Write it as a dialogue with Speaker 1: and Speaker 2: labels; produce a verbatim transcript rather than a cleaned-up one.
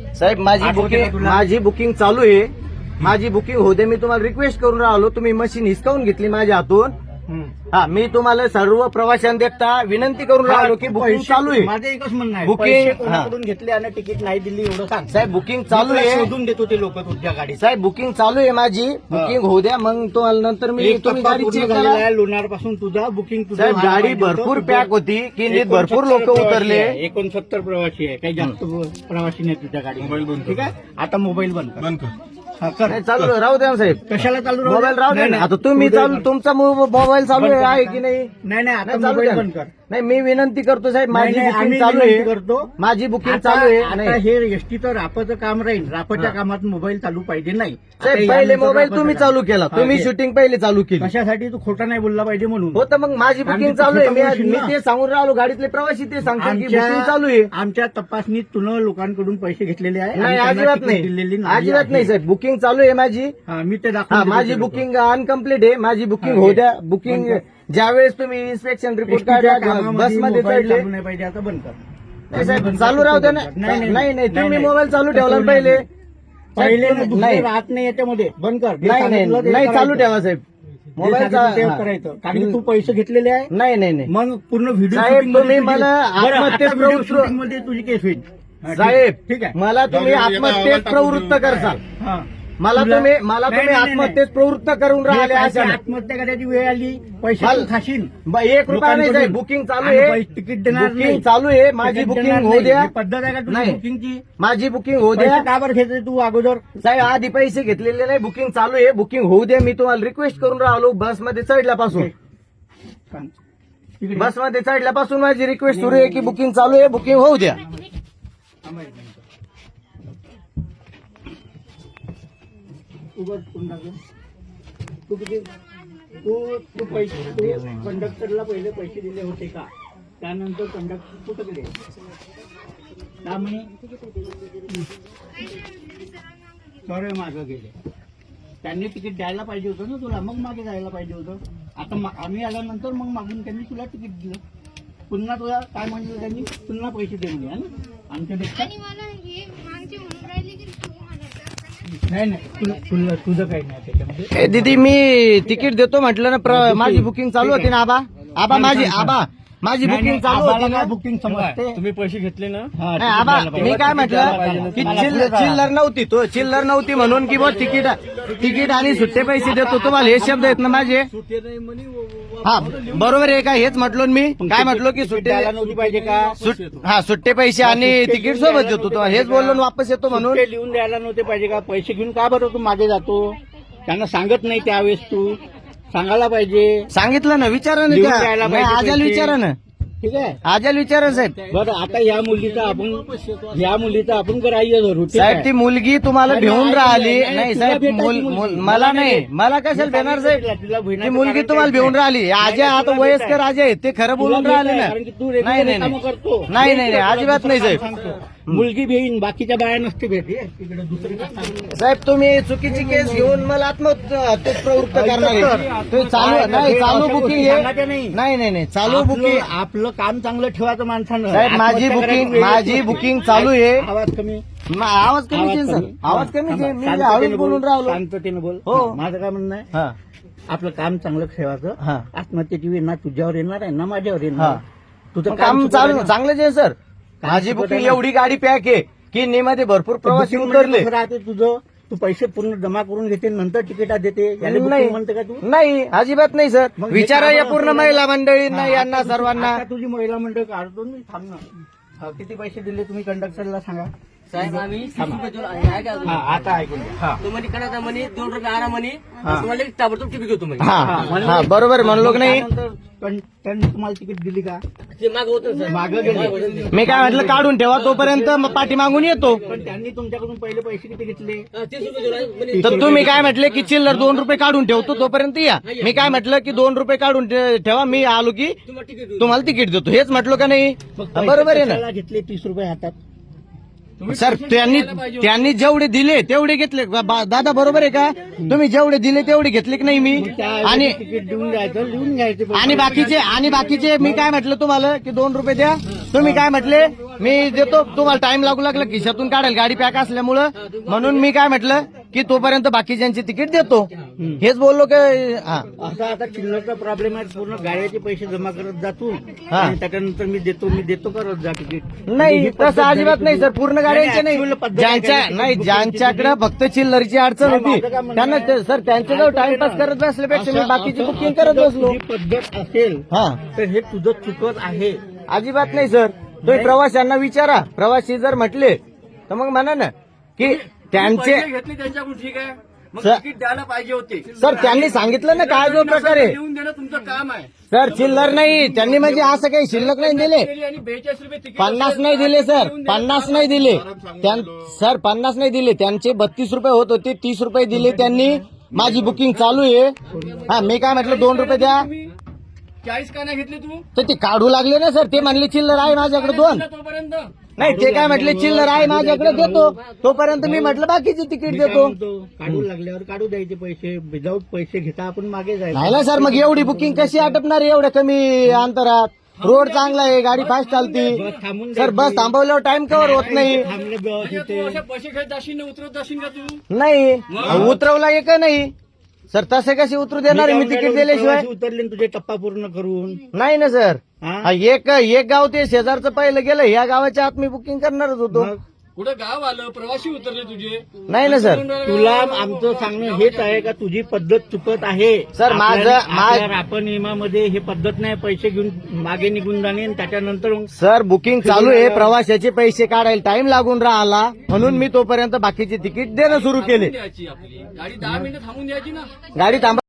Speaker 1: साहेब माझी
Speaker 2: आठवते
Speaker 1: बुकिंग
Speaker 2: का तुला?
Speaker 1: माझी बुकिंग चालू आहे. माझी बुकिंग होते. मी तुम्हाला रिक्वेस्ट करून राहिलो. तुम्ही मशीन हिसकावून घेतली माझ्या हातून.
Speaker 2: हम्म.
Speaker 1: हा मी तुम्हाला सर्व प्रवाशांना देखता विनंती करून राहिलो की बुकिंग
Speaker 2: पैसे-
Speaker 1: चालू आहे.
Speaker 2: माझं एकच म्हणणं आहे,
Speaker 1: बुकिंग-
Speaker 2: पैसे कोणाकडून घेतले आणि तिकीट नाही दिली एवढं सांग.
Speaker 1: साहेब बुकिंग चालू
Speaker 2: मी तुला
Speaker 1: आहे.
Speaker 2: शोधून देतो ते लोक तुझ्या गाडीत.
Speaker 1: साहेब बुकिंग चालू आहे माझी. बुकिंग होऊ द्या मग तुम्हाला नंतर मी
Speaker 2: एक
Speaker 1: तुम्ही
Speaker 2: टप्पा
Speaker 1: गाडी
Speaker 2: पूर्ण
Speaker 1: चेक
Speaker 2: झालेला
Speaker 1: करा.
Speaker 2: आहे लोणार पासून तुझा बुकिंग तुझं
Speaker 1: साहेब
Speaker 2: व्हायला
Speaker 1: गाडी
Speaker 2: पाहिजे होतं.
Speaker 1: भरपूर
Speaker 2: तुझं-
Speaker 1: पॅक होती की नीट
Speaker 2: एकोणसत्तर
Speaker 1: भरपूर लोक
Speaker 2: प्रवासी
Speaker 1: उतरले.
Speaker 2: आहे, एकोणसत्तर प्रवासी आहे, काही जास्त प्रवासी नाही तुझ्या गाडी.
Speaker 3: मोबाईल बंद कर.
Speaker 2: ठीक आहे, आता मोबाईल बंद कर.
Speaker 3: बंद कर.
Speaker 2: हा, कर.
Speaker 1: नाही, चालू राहू द्या ना साहेब.
Speaker 2: कशाला चालू राहू दे?
Speaker 1: मोबाईल राहू द्या
Speaker 2: नाही,
Speaker 1: ना.
Speaker 2: नाही.
Speaker 1: आता तुम्ही
Speaker 2: तुझं-
Speaker 1: चालू तुमचा मोबाईल चालू
Speaker 2: बंद
Speaker 1: आहे
Speaker 2: कर
Speaker 1: आहे
Speaker 2: आता.
Speaker 1: की नाही?
Speaker 2: नाही नाही आता
Speaker 1: नाही, चालू
Speaker 2: मोबाईल
Speaker 1: द्या.
Speaker 2: बंद कर.
Speaker 1: नाही मी विनंती करतो साहेब माझी
Speaker 2: नाही, नाही,
Speaker 1: बुकिंग
Speaker 2: आम्ही
Speaker 1: चालू
Speaker 2: विनंती
Speaker 1: आहे.
Speaker 2: करतो.
Speaker 1: माझी बुकिंग
Speaker 2: आता
Speaker 1: चालू आहे.
Speaker 2: आता
Speaker 1: नाही.
Speaker 2: हे एसटीचं रापाचं काम राहील. रापाच्या
Speaker 1: हा.
Speaker 2: कामात मोबाईल चालू पाहिजे नाही. आता
Speaker 1: साहेब पहिले
Speaker 2: यानंतर
Speaker 1: मोबाईल
Speaker 2: रापाचं
Speaker 1: तुम्ही
Speaker 2: काम.
Speaker 1: चालू केला.
Speaker 2: हा,
Speaker 1: तुम्ही
Speaker 2: हे.
Speaker 1: शूटिंग पहिले चालू केली.
Speaker 2: कशासाठी तू खोटा नाही बोलला पाहिजे म्हणून.
Speaker 1: हो तर मग माझी बुकिंग
Speaker 2: आम्ही
Speaker 1: चालू आहे. मी
Speaker 2: खोटं बोलशील
Speaker 1: मी
Speaker 2: ना.
Speaker 1: ते सांगून राहिलो. गाडीतले प्रवासी ते सांगतात की
Speaker 2: आमच्या
Speaker 1: बुकिंग चालू आहे.
Speaker 2: आमच्या तपासणीत तुला लोकांकडून पैसे घेतलेले आहे.
Speaker 1: नाही
Speaker 2: आणि त्यांना
Speaker 1: अजिबात
Speaker 2: तिकीट दिलेली
Speaker 1: नाही अजिबात
Speaker 2: आहे.
Speaker 1: नाही साहेब बुकिंग चालू आहे माझी.
Speaker 2: हा, मी ते
Speaker 1: हा
Speaker 2: दाखवून
Speaker 1: माझी
Speaker 2: देतो तुला.
Speaker 1: बुकिंग अनकम्प्लीट आहे. माझी बुकिंग
Speaker 2: हा,
Speaker 1: होऊ
Speaker 2: हे.
Speaker 1: द्या. बुकिंग
Speaker 2: बंद
Speaker 1: ज्यावेळेस तुम्ही इन्स्पेक्शन रिपोर्ट
Speaker 2: एसटीच्या
Speaker 1: काढला
Speaker 2: कामामध्ये
Speaker 1: बसमध्ये
Speaker 2: मोबाईल
Speaker 1: चढले.
Speaker 2: चालू नाही पाहिजे, आता बंद कर.
Speaker 1: नाही साहेब
Speaker 2: बंद कर,
Speaker 1: चालू राहू द्या ना.
Speaker 2: नाही
Speaker 1: नाही नाही तुम्ही
Speaker 2: नाही.
Speaker 1: मोबाईल चालू ठेवला
Speaker 2: तसं
Speaker 1: पहिले.
Speaker 2: नाही. पहिले ना दुसरे
Speaker 1: नाही
Speaker 2: राहत नाही याच्यामध्ये. बंद कर. जे
Speaker 1: नाही
Speaker 2: सांगितलं ते
Speaker 1: नाही चालू
Speaker 2: करायचं.
Speaker 1: ठेवा साहेब
Speaker 2: जे
Speaker 1: मोबाईल
Speaker 2: सांगितलं ते
Speaker 1: चा-
Speaker 2: करायचं. कारण की तू पैसे घेतलेले आहे.
Speaker 1: नाही नाही नाही
Speaker 2: मग पूर्ण व्हिडिओ
Speaker 1: साहेब,
Speaker 2: शूटिंग मध्ये
Speaker 1: तुम्ही
Speaker 2: तुझी-
Speaker 1: मला
Speaker 2: बरं, आता
Speaker 1: आत्महत्येस
Speaker 2: व्हिडिओ
Speaker 1: प्रवृत्त-
Speaker 2: शूटिंग मध्ये तुझी केस होईल. हा, ठीक-
Speaker 1: साहेब
Speaker 2: ठीक आहे.
Speaker 1: मला तुम्ही
Speaker 3: जाऊ दे,
Speaker 1: आत्महत्येस
Speaker 3: एका
Speaker 1: प्रवृत्त
Speaker 3: आवाजात
Speaker 1: करसाल.
Speaker 2: हा.
Speaker 1: मला
Speaker 2: तुला-
Speaker 1: तुम्ही मला
Speaker 2: नाही,
Speaker 1: तुम्ही
Speaker 2: नाही, नाही,
Speaker 1: आत्महत्येस प्रवृत्त करून
Speaker 2: नाही.
Speaker 1: राहिले
Speaker 2: जे
Speaker 1: अशा
Speaker 2: पैसे आत्महत्या करायची वेळ आली पैसे
Speaker 1: मला-
Speaker 2: तू खाशील.
Speaker 1: ब- एक रुपया नाही साहेब
Speaker 2: लोकांकडून.
Speaker 1: बुकिंग चालू
Speaker 2: आणि
Speaker 1: आहे.
Speaker 2: पैसे तिकीट देणार नाही.
Speaker 1: बुकिंग चालू आहे. माझी
Speaker 2: तिकीट
Speaker 1: बुकिंग
Speaker 2: देणार
Speaker 1: होऊ
Speaker 2: नाही.
Speaker 1: द्या.
Speaker 2: ही पद्धत आहे का तुझी
Speaker 1: नाही.
Speaker 2: बुकिंगची?
Speaker 1: माझी बुकिंग होऊ द्या.
Speaker 2: पैसे का बरं घेते तू अगोदर?
Speaker 1: साहेब आधी पैसे घेतलेले नाही. बुकिंग चालू आहे. बुकिंग होऊ द्या. मी तुम्हाला रिक्वेस्ट करून राहिलो बसमध्ये चढल्यापासून.
Speaker 2: सांग. तिकडे.
Speaker 1: बसमध्ये चढल्यापासून माझी रिक्वेस्ट सुरू आहे की बुकिंग चालू आहे. बुकिंग होऊ द्या.
Speaker 2: थांबा एक मिनिट. उगाच कोण टाकेल? तू किती तू तू पैसे तू कंडक्टरला पहिले पैसे दिले होते का? त्यानंतर कंडक्टर कुठं गेले? का म्हणे सॉरी मागं गेले. त्यांनी तिकीट द्यायला पाहिजे होतं ना तुला, मग मागे जायला पाहिजे होतं. आता मा- आम्ही आल्यानंतर मग मागून त्यांनी तुला तिकीट दिलं. पुन्हा तुला काय म्हणलं त्यांनी? पुन्हा पैसे दे म्हणे, है ना? आमच्यापेक्षा
Speaker 4: आणि मला हे मागचे म्हणून राहिले की तू म्हणायचं.
Speaker 2: नाही नाही तुला तुला तुझं काही नाही त्याच्यामध्ये.
Speaker 1: ए दीदी मी तिकीट देतो म्हटलं ना. प्र- माझी बुकिंग चालू होती ना. आबा आबा माझी आबा माझी
Speaker 2: नाही,
Speaker 1: बुकिंग
Speaker 2: नाही,
Speaker 1: चालू
Speaker 2: आम्हाला
Speaker 1: होती ना.
Speaker 2: काय बुकिंग समजते.
Speaker 3: तुम्ही पैसे घेतले ना?
Speaker 2: हा,
Speaker 1: नाही आबा
Speaker 2: द्यायला पाहिजे.
Speaker 1: मी काय म्हटलं की
Speaker 2: मला
Speaker 1: चिल्लर
Speaker 2: पुढे जा.
Speaker 1: चिल्लर नव्हती तो चिल्लर नव्हती म्हणून की बा तिकीट तिकीट आणि सुट्टे पैसे देतो तुम्हाला हे शब्द आहेत ना माझे. हा बरोबर आहे का? हेच म्हटलो ना मी. काय म्हटलो की
Speaker 2: तिकीट
Speaker 1: सुट्टे
Speaker 2: द्यायला नव्हती पाहिजे का?
Speaker 1: सुट- हा सुट्टे पैसे आणि तिकीट सोबत देतो तुम्हाला हेच बोललो ना वापस येतो म्हणून.
Speaker 2: सुट्टे लिहून द्यायला नव्हते पाहिजे का? पैसे घेऊन का बरं तू मागे जातो? त्यांना सांगत नाही त्यावेळेस तू सांगायला पाहिजे.
Speaker 1: सांगितलं ना. विचारा ना
Speaker 2: लिहून
Speaker 1: त्या.
Speaker 2: द्यायला
Speaker 1: नाही,
Speaker 2: पाहिजे
Speaker 1: आजाला
Speaker 2: पैसे.
Speaker 1: विचारा ना.
Speaker 2: ठीक आहे.
Speaker 1: आजाला विचारा साहेब.
Speaker 2: बरं आता या मुलीचा आपण या मुलीचा आपण ग्राह्य धरू. ठीक
Speaker 1: साहेब
Speaker 2: आहे?
Speaker 1: ती मुलगी तुम्हाला
Speaker 2: नाही,
Speaker 1: भेऊन
Speaker 2: नाही,
Speaker 1: राहिली.
Speaker 2: नाही,
Speaker 1: नाही
Speaker 2: तुला
Speaker 1: साहेब
Speaker 2: भेटायची
Speaker 1: मुल-
Speaker 2: मुलगी.
Speaker 1: मुल-
Speaker 2: मला
Speaker 1: मला
Speaker 2: नाही.
Speaker 1: नाही मला कशाला
Speaker 2: मी
Speaker 1: भेणार
Speaker 2: सांगितलं
Speaker 1: साहेब?
Speaker 2: तुला
Speaker 1: ती
Speaker 2: भेटायचं
Speaker 1: मुलगी
Speaker 2: कारण
Speaker 1: तुम्हाला
Speaker 2: काय
Speaker 1: भेऊन
Speaker 2: नाही.
Speaker 1: राहिली.
Speaker 2: नाही,
Speaker 1: आजा आता
Speaker 2: तुला
Speaker 1: वयस्कर
Speaker 2: भेटायचं.
Speaker 1: आजा आहेत ते खरं बोलून
Speaker 2: तुला
Speaker 1: राहिले
Speaker 2: भेटायचं
Speaker 1: ना.
Speaker 2: कारण की तू
Speaker 1: नाही
Speaker 2: रेग्युलर
Speaker 1: नाही
Speaker 2: कामं
Speaker 1: नाही
Speaker 2: करतो.
Speaker 1: नाही नाही नाही, अजिबात नाही साहेब.
Speaker 2: सांगतो. मुलगी भेईन बाकीच्या बाया नसते भेट. हे, तिकडे दुसरी काय सांगतो.
Speaker 1: साहेब तुम्ही चुकीची केस घेऊन मला आत्महत्येस प्रवृत्त करणार आहे. तुम्ही चालू नाही चालू बुकिंग
Speaker 2: सांगायचं
Speaker 1: आहे.
Speaker 2: नाही.
Speaker 1: नाही नाही नाही चालू
Speaker 2: आपलं-
Speaker 1: बुकिंग.
Speaker 2: आपलं काम चांगलं ठेवायचं माणसानं.
Speaker 1: साहेब माझी
Speaker 2: आत्महत्या
Speaker 1: बुकिंग
Speaker 2: करायची वेळ
Speaker 1: माझी
Speaker 2: येते.
Speaker 1: बुकिंग चालू आहे.
Speaker 2: आवाज कमी
Speaker 1: मा- आवाज कमीच आहे सर. आवाज कमीच आहे. मी हळूच बोलून राहिलो.
Speaker 2: शांततेने बोल.
Speaker 1: हो.
Speaker 2: माझं काय म्हणणं आहे
Speaker 1: हा
Speaker 2: आपलं काम चांगलं ठेवायचं.
Speaker 1: हा.
Speaker 2: आत्महत्येची वेळ ना तुझ्यावर येणार आहे ना माझ्यावर
Speaker 1: हा.
Speaker 2: येणार. तुझं
Speaker 1: मग काम
Speaker 2: चुकत
Speaker 1: चालू
Speaker 2: आहे ना.
Speaker 1: चांगलंच आहे सर.
Speaker 2: काम
Speaker 1: माझी
Speaker 2: चुकत
Speaker 1: बुकिंग
Speaker 2: आहे ना.
Speaker 1: एवढी गाडी पॅक आहे की नीमध्ये भरपूर प्रवासी
Speaker 2: Booking म्हणजे
Speaker 1: उतरले.
Speaker 2: कसं राहते तुझं तू पैसे पूर्ण जमा करून घेते नंतर तिकीटा देते याला
Speaker 1: नाही
Speaker 2: booking म्हणते का तू?
Speaker 1: नाही अजिबात नाही सर.
Speaker 2: मग हे
Speaker 1: विचारा
Speaker 2: काम
Speaker 1: या
Speaker 2: असं
Speaker 1: पूर्ण
Speaker 2: आहे.
Speaker 1: महिला मंडळींना
Speaker 2: हा,
Speaker 1: यांना
Speaker 2: आता तुझी-
Speaker 1: सर्वांना.
Speaker 2: आता तुझी महिला मंडळ काढतो मी थांब ना. हा, किती पैसे दिले तुम्ही कंडक्टरला सांगा.
Speaker 5: साहेब आम्ही तीस
Speaker 2: थांबा.
Speaker 5: रुपये देऊन आहे आहे का
Speaker 2: हा, आता ऐकून घ्या. हा.
Speaker 5: तुम्हाला करायचा म्हणे दोन रुपये आरा म्हणे
Speaker 2: हा.
Speaker 5: तुम्हाला एक ताबडतोब तिकीट देतो म्हणे
Speaker 1: हा
Speaker 2: म्हणलं-
Speaker 1: हा बरोबर म्हणलो की नाही.
Speaker 2: त्यानंतर कं- त्यांनी तुम्हाला तिकीट दिली का?
Speaker 5: ते माग होतं सर
Speaker 2: मागं गेले.
Speaker 1: मी काय म्हटलं काढून ठेवा तोपर्यंत मग पाठी मागून येतो.
Speaker 2: पण त्यांनी तुमच्याकडून पहिले पैसे किती घेतले?
Speaker 5: हा, तीस रुपये देऊन आहे म्हणे
Speaker 1: तर तुम्ही काय म्हटले की चिल्लर दोन रुपये काढून ठेवतो तोपर्यंत या. मी काय म्हटलं की दोन रुपये काढून ठे- ठेवा मी आलो की
Speaker 5: तुम्हाला तिकीट देऊ
Speaker 1: तुम्हाला तिकीट देतो. हेच म्हटलो का नाही.
Speaker 2: मग पैसे
Speaker 1: बरोबर आहे ना
Speaker 2: कशाला घेतले तीस रुपये हातात?
Speaker 1: सर. त्यांनी त्यांनी जेवढे दिले तेवढे घेतले. बा- दादा बरोबर आहे का? तुम्ही जेवढे दिले तेवढे घेतले की नाही मी.
Speaker 2: त्याऐवजी
Speaker 1: आणि
Speaker 2: तिकीट देऊन द्यायचं लिहून घ्यायचे पैसे.
Speaker 1: आणि बाकीचे आणि बाकीचे मी काय म्हटलं तुम्हाला की दोन रुपये द्या तुम्ही काय म्हटले मी देतो तुम्हाला टाइम लागू लागला खिशातून काढेल गाडी पॅक असल्यामुळं म्हणून मी काय म्हटलं की तोपर्यंत बाकीच्यांची तिकीट देतो हेच बोललो की हा
Speaker 2: असा आता चिल्लरचा प्रॉब्लेम आहे. पूर्ण गाड्याचे पैसे जमा करत जा तू
Speaker 1: हा.
Speaker 2: आणि त्याच्यानंतर मी देतो मी देतो करत जा तिकीट.
Speaker 1: नाही
Speaker 2: ही पद्धत
Speaker 1: तसं अजिबात
Speaker 2: झाली
Speaker 1: नाही
Speaker 2: तुझी.
Speaker 1: सर पूर्ण गाड्यांचे
Speaker 2: नाही,
Speaker 1: नाही
Speaker 2: actual पद्धत आहे
Speaker 1: ज्यांच्या
Speaker 2: काय?
Speaker 1: नाही
Speaker 2: तिकीट
Speaker 1: ज्यांच्याकडे
Speaker 2: बुकिंगची
Speaker 1: फक्त चिल्लरची अडचण
Speaker 2: नाही,
Speaker 1: होती
Speaker 2: माझं काय म्हणणं
Speaker 1: त्यांना
Speaker 2: आहे?
Speaker 1: ते- सर त्यांच्याजवळ टाइमपास करत बसल्यापेक्षा मी
Speaker 2: असं-
Speaker 1: बाकीची
Speaker 2: असं-
Speaker 1: बुकिंग
Speaker 2: असं
Speaker 1: करत
Speaker 2: जर
Speaker 1: बसलो
Speaker 2: तुझी पद्धत असेल
Speaker 1: हा
Speaker 2: तर हे तुझं चुकत आहे.
Speaker 1: अजिबात नाही सर तुम्ही प्रवाशांना विचारा प्रवासी जर म्हटले तर मग म्हणा ना की त्यांचे
Speaker 5: घेतले त्यांच्याकडून ठीक आहे मग
Speaker 1: सर-
Speaker 5: तिकीट द्यायला पाहिजे होते
Speaker 1: सर त्यांनी सांगितलं ना काय जो प्रकार आहे
Speaker 5: देऊन देणं तुमचं काम आहे
Speaker 1: सर चिल्लर नाही त्यांनी म्हणजे असं काही शिल्लक नाही दिले
Speaker 5: आणि बेचाळीस रुपये तिकीट
Speaker 1: पन्नास नाही दिले सर पन्नास नाही दिले त्यां- सर पन्नास नाही दिले त्यांचे बत्तीस रुपये होत होते तीस रुपये दिले त्यांनी माझी बुकिंग चालू आहे हा मी काय म्हटलं दोन रुपये द्या
Speaker 5: चाळीस का नाही घेतले तू
Speaker 1: तर ते काढू लागले ना सर ते म्हणले चिल्लर आहे माझ्याकडे दोन
Speaker 5: तोपर्यंत
Speaker 1: नाही ते काय म्हटले चिल्लर आहे माझ्याकडे देतो तोपर्यंत मी म्हटलं बाकीची तिकीट
Speaker 2: मी काय
Speaker 1: देतो
Speaker 2: म्हणतो, काढू लागल्यावर काढू द्यायचे पैसे विदाऊट पैसे घेता आपण मागे जायचं.
Speaker 1: नाही ना सर मग एवढी बुकिंग कशी आटपणार आहे एवढ्या कमी अंतरात रोड चांगला आहे गाडी फास्ट चालती
Speaker 2: बस थांबून
Speaker 1: सर बस थांबवल्यावर टाइम कव्हर होत नाही
Speaker 2: थांबले बस
Speaker 5: म्हणजे तू
Speaker 2: इथे.
Speaker 5: असे पैसे घेत जाशील ना उतरत जाशील का तू
Speaker 1: नाही उतरवला एक नाही सर तसे कसे उतरू देणार मी तिकीट दिल्याशिवाय
Speaker 2: प्रवासी उतरले न तुझे टप्पा पूर्ण करून
Speaker 1: नाही ना सर
Speaker 2: हा?
Speaker 1: हा, एक एक गाव ते शेजारचं पहिलं गेलं या गावाच्या आत मी बुकिंग करणारच होतो
Speaker 2: मग
Speaker 5: कुठं गाव आलं प्रवासी उतरले तुझे
Speaker 1: नाही ना सर
Speaker 2: तुला आमचं सांगणं हेच आहे का तुझी पद्धत चुकत आहे.
Speaker 1: सर, माझं-
Speaker 2: आपल्या-
Speaker 1: मा-
Speaker 2: आपल्या रापा नियमामध्ये हे पद्धत नाही पैसे घेऊन मागे निघून जाणे आणि त्याच्यानंतर मग
Speaker 1: सर बुकिंग चालू आहे प्रवाशाचे पैसे काढायला टाइम लागून राहिला म्हणून मी तोपर्यंत बाकीचे तिकीट देणं सुरू केले
Speaker 5: द्यायची आपली गाडी दहा मिनिटं थांबून द्यायची ना
Speaker 1: गाडी थांबा